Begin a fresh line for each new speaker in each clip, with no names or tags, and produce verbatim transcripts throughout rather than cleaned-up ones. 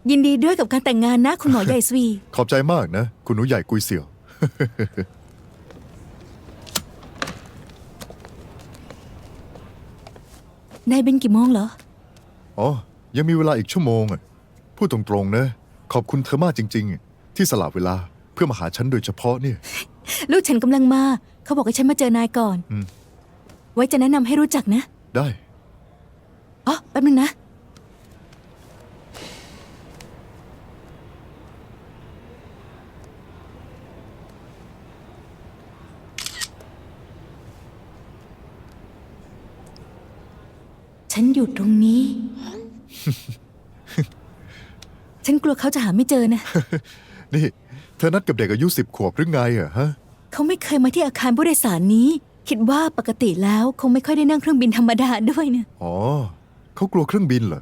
ยินดีด้วยกับการแต่งงานนะคุณหมอใหญ่สวี
ขอบใจมากนะคุณหนูใหญ่กุยเสี่ยว
นายบินกี่โมงเหรอ
อ๋อยังมีเวลาอีกชั่วโมงอ่ะพูดตรงๆนะขอบคุณเธอมากจริงๆที่สละเวลาเพื่อมาหาฉันโดยเฉพาะเนี่ย
ลูกฉันกำลังมาเขาบอกให้ฉันมาเจอนายก่อนไว้จะแนะนำให้รู้จักนะ
ได้
อ๋อแป๊บนึงนะฉันอยู่ตรงนี้ ฉันกลัวเขาจะหาไม่เจอนะ
นี่เธอนัดกับเด็กอายุสิบขวบหรือไงอะฮะ
เขาไม่เคยมาที่อาคารผู้โดยสารนี้ คิดว่าปกติแล้วคงไม่ค่อยได้นั่งเครื่องบินธรรมดาด้วยนะ
อ๋อเขากลัวเครื่องบินเหรอ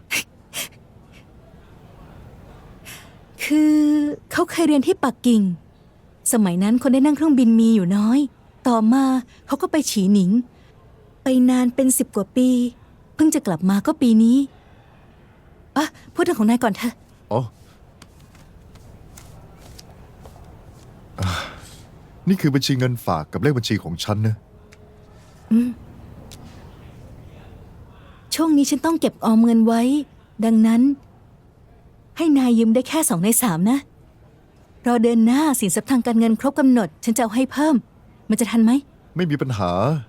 คือเขาเคยเรียนที่ปักกิ่งสมัยนั้นคนได้นั่งเครื่องบินมีอยู่น้อยต่อมาเขาก็ไปฉีหนิงไปนานเป็นสิบกว่าปีเพิ่งจะกลับมาก็ปีนี้อ่ะพูดเรื่องของนายก่อนเถอะ
อ๋อนี่คือบัญชีเงินฝากกับเลขบัญชีของฉันนะ
อืมช่วงนี้ฉันต้องเก็บออมเงินไว้ดังนั้นให้นายยืมได้แค่สองในสามนะรอเดือนหน้าสินทรัพย์ทางการเงินครบกำหนดฉันจะเอาให้เพิ่มมันจะทันไหม
ไม่มีปัญหา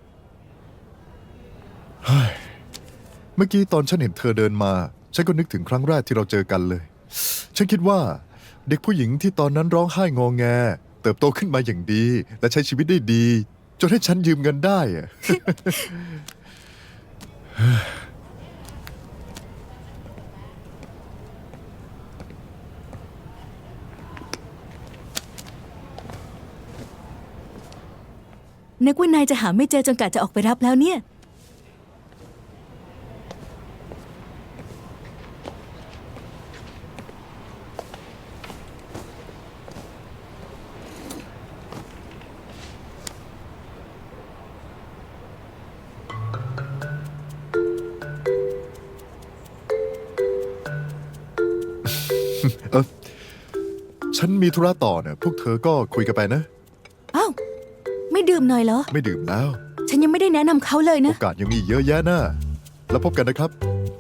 เมื่อกี้ตอนฉันเห็นเธอเดินมาฉันก็นึกถึงครั้งแรกที่เราเจอกันเลยฉันคิดว่าเด็กผู้หญิงที่ตอนนั้นร้องไห้งอแงเติบโตขึ้นมาอย่างดีและใช้ชีวิตได้ดีจนให้ฉันยืมเงินได้อะ
นึกว่านายจะหาไม่เจอจนกะจะออกไปรับแล้วเนี่ย
เออฉันมีธุระต่อเนี่ยพวกเธอก็คุยกันไปนะ
อ้าวไม่ดื่มหน่อยเหรอ
ไม่ดื่มแล้ว
ฉันยังไม่ได้แนะนำเขาเลยนะ
โอกาสยังมีเยอะแยะนะแล้วพบกันนะครับ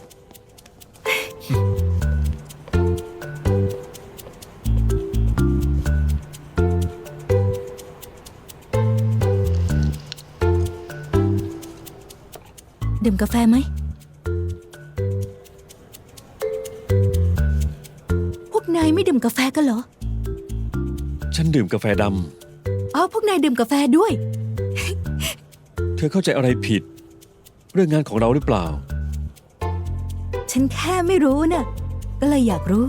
ดื่มกาแฟไหมพวกนายไม่ดื่มกาแฟกันเหรอ
ฉันดื่มกาแฟด
ำอ๋อพวกนายดื่มกาแฟด้วย
เธอเข้าใจอะไรผิดเรื่องงานของเราหรือเปล่า
ฉันแค่ไม่รู้น่ะก็เลยอยากรู้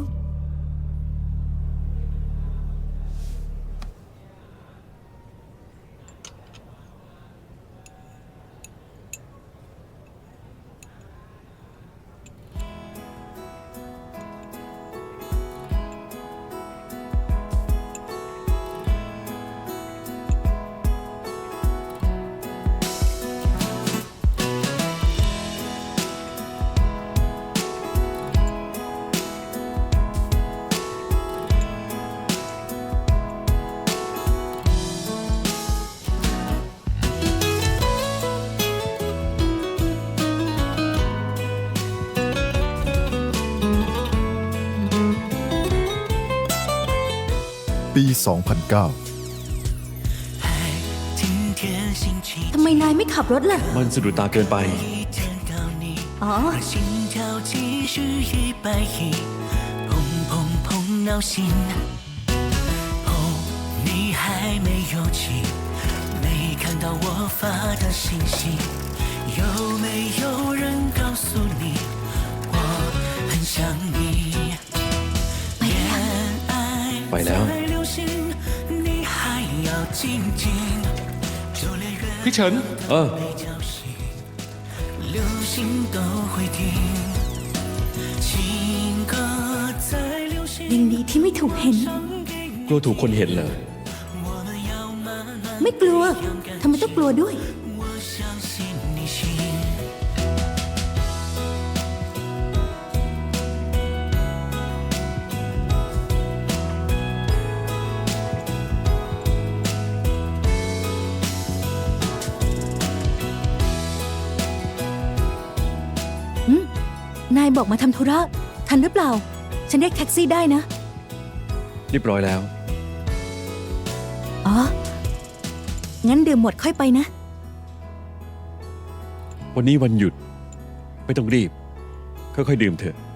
ปี สองพันเก้า
ทำไมนายไม่ขับรถล่ะ
มันสะดุดตาเกินไป
อ๋อ
ไปแล้วพี่เฉินเออ
ยังดีที่ไม่ถูกเห็น
กลัวถูกคนเห็นเหรอ
ไม่กลัวทำไมต้องกลัวด้วยายบอกมาทำธุระ ทันหรือเปล่า ฉันเรียกแท็กซี่ได้นะ
เรียบร้อยแล้ว
อ๋อ งั้นดื่มหมดค่อยไปนะ
วันนี้วันหยุด ไม่ต้องรีบ ค่อยๆดื่มเถอะ